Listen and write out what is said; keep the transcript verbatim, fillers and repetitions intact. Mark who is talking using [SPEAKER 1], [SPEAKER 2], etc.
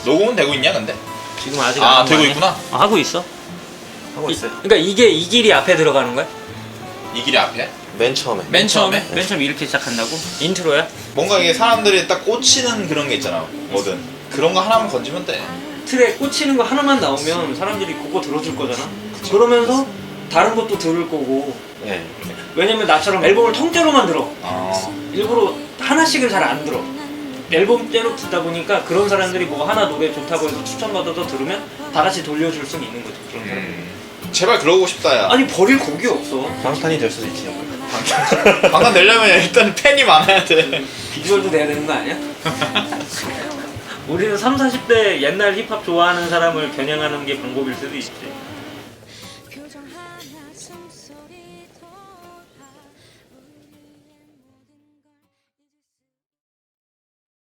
[SPEAKER 1] 녹음은 되고 있냐 근데?
[SPEAKER 2] 지금 아직
[SPEAKER 1] 아
[SPEAKER 2] 안
[SPEAKER 1] 되고
[SPEAKER 2] 하고
[SPEAKER 1] 있구나.
[SPEAKER 2] 아, 하고 있어.
[SPEAKER 3] 하고 있어요.
[SPEAKER 2] 이, 그러니까 이게 이 길이 앞에 들어가는 거야?
[SPEAKER 1] 이 길이 앞에?
[SPEAKER 3] 맨 처음에.
[SPEAKER 1] 맨 처음에?
[SPEAKER 2] 맨 처음에 이렇게 시작한다고? 인트로야?
[SPEAKER 1] 뭔가 이게 사람들이 딱 꽂히는 그런 게 있잖아. 뭐든 그런 거 하나만 건지면 돼.
[SPEAKER 2] 틀에 꽂히는 거 하나만 나오면 사람들이 그거 들어줄 거잖아. 그러면서 다른 것도 들을 거고.
[SPEAKER 3] 네.
[SPEAKER 2] 왜냐면 나처럼 앨범을 통째로만 들어.
[SPEAKER 1] 아
[SPEAKER 2] 일부러 하나씩은 잘 안 들어. 앨범째로 듣다 보니까 그런 사람들이 뭐 하나 노래 좋다고 해서 추천받아서 들으면 다 같이 돌려줄 수는 있는 거지. 그런 사람들.
[SPEAKER 1] 음. 제발 그러고 싶다 야.
[SPEAKER 2] 아니 버릴 곡이 없어.
[SPEAKER 3] 방탄이 될 수도 있지.
[SPEAKER 1] 방탄 되려면 일단 팬이 많아야 돼.
[SPEAKER 2] 비주얼도 돼야 되는 거 아니야? 우리는 삼, 사십 대 옛날 힙합 좋아하는 사람을 겨냥하는 게 방법일 수도 있지.